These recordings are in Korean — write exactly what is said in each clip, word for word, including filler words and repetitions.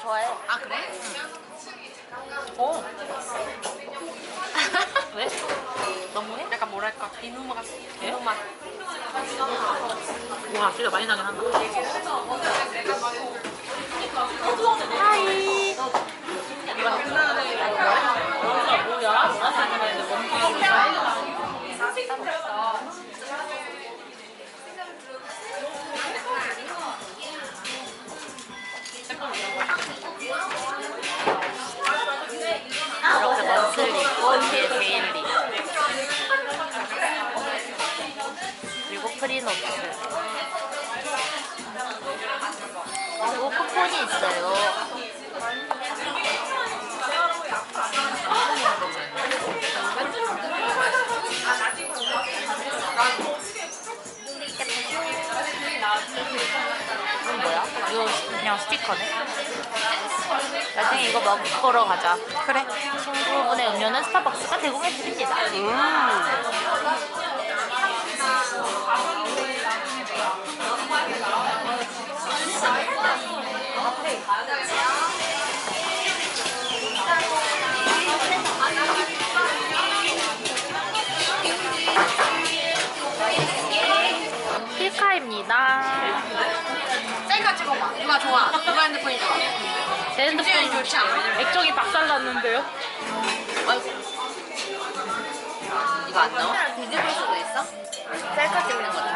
좋아해. 아 그래? 어. 왜? 너무해? 약간 뭐랄까 비누 맛. 비누 맛. 와 진짜 많이 나긴 한다. 하이. 이렇게 먼슬리, 뒤에 데일리, 그리고 프리노트, 그리고 쿠폰이 있어요. 이건 뭐야? 이거 그냥 스티커네. 나중에 이거 먹으러 가자. 그래. 친구분의 음료는 스타벅스가 제공해 드립니다. 음. 필카입니다. 셀카 찍어봐. 누가 좋아? 누가 핸드폰이 좋아? 제 김지현이 핸드폰 좋지 않아? 액정이 박살났는데요? 이거 안 나와? 뒤집을 수도 있어? 셀카 찍는 것처럼?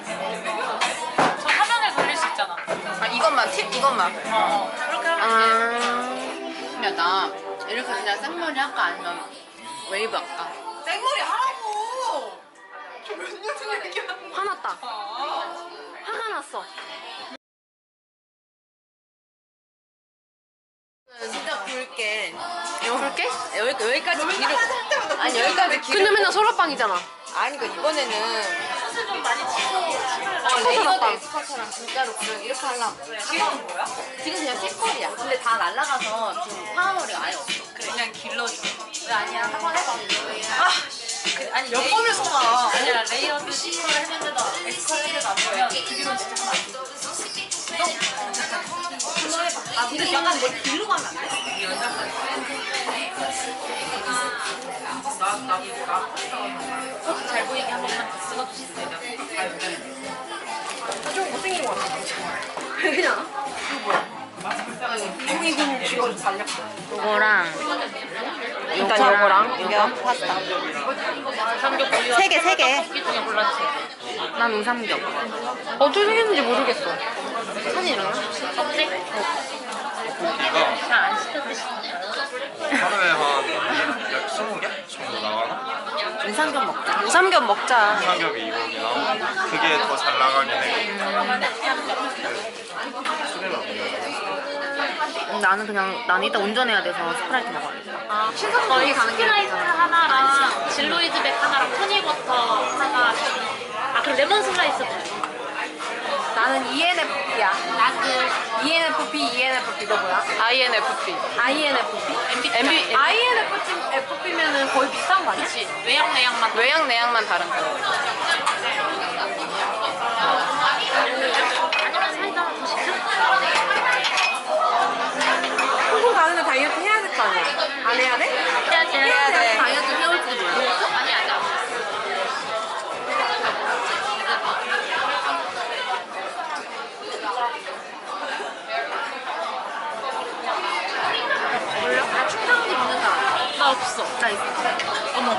저 화면에 돌릴 수 있잖아. 아 이것만 팁 이것만. 어, 그렇게 하면 아. 야 나 이렇게 그냥 생머리 할까 아니면 웨이브 할까? 생머리 하라고. 저몇년 전에 얘기하는 거. 화났다. 화가 났어. 진짜 굵게. 굵게? 여기, 여기까지 길을. 아니 여기까지 길을. 근데 맨날 소라빵이잖아. 아니 그 이번에는 사실 좀 많이 치고 어, 레이어드 엑스퍼처럼 진짜로 그냥 이렇게 하려고. 지금 뭐야? 지금 그냥 찌꺼리야. 근데 다 날라가서 지금 파워머리가 아예 없어. 그래, 그냥 길러줘. 왜 아니야? 한번 해봐. 아, 그, 아니 몇 레이- 번을 써봐. 아니라 레이어드 C컬 했는데도 X컬 했는데도 안 보면 그 뒤로 진짜 하면 안 돼. 아 근데 약간 머리 길로 가면 안 돼? 포즈 잘 보이게 한 번만 더 찍어주시면 돼요. 좀 못생긴 거 같아. 그냥. 이거 뭐야? 이건 지금 달렸어. 이거랑 일단 요거랑 이거 파스타. 삼겹 고기 세 개, 세 개. 고기 중에 골랐지. 난 우삼겹. 어떻게 생겼는지 모르겠어. 사진이랑? 없지? 고기가 잘안 시켜 드시네. 하루에 한 스무 개 정도 나가나? 우삼겹 먹자. 우삼겹 먹자. 삼겹이 이렇게 나오고 그게 더 잘 나가긴 해. 술이나 먹는 나는 그냥 난 이따 운전해야 돼서 스프라이트 먹어야겠다. 아, 저희 스프라이트 하나랑 진로이즈백 하나랑 토닉워터 하나. 아, 그럼 레몬 슬라이스도 줘. 나는 이엔에프피야. 나그 이엔에프피, 이엔에프피 너 뭐야? 아이엔에프피. 아이엔에프피? 엠비티아이. 아이엔에프피면은 거의 비슷한 거 아니야? 그치. 외양 내양만. 외양 내양만 다른 거. 아니면 사이다 하나 더 시켜? 홍콩 가는데 다이어트 해야 될 거 아니야? 안 해야 돼? 해야지. 해야 돼. 다이어트 해올지 몰랐어? 아니, 아니, 아니. 몰라? 나 충당도 있는 사람. 나 없어. 나 있어. 어머.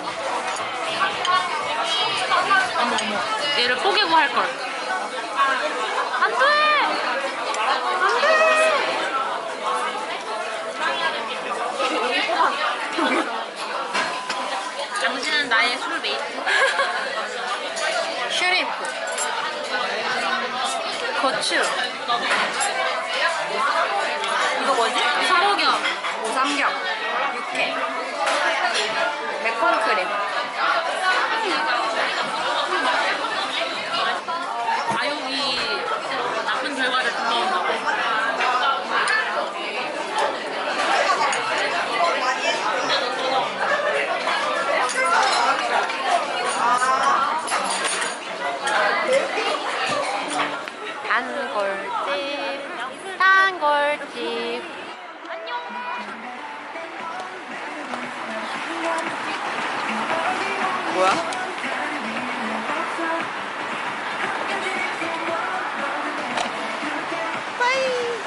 어머, 어머. 얘를 뽀개고 할걸. 안 돼! 안 돼! 당신은 나의 술메이트. 슈림프. 고추. 이거 뭐지? 삼오겹. 오삼겹. 육회. 매콤크림. 과욕이 나쁜 결과를 불러온다고. 단골집. 단골집. 뭐야?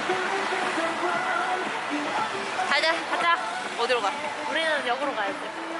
가자, 가자. 어디로 가? 우리는 역으로 가야지.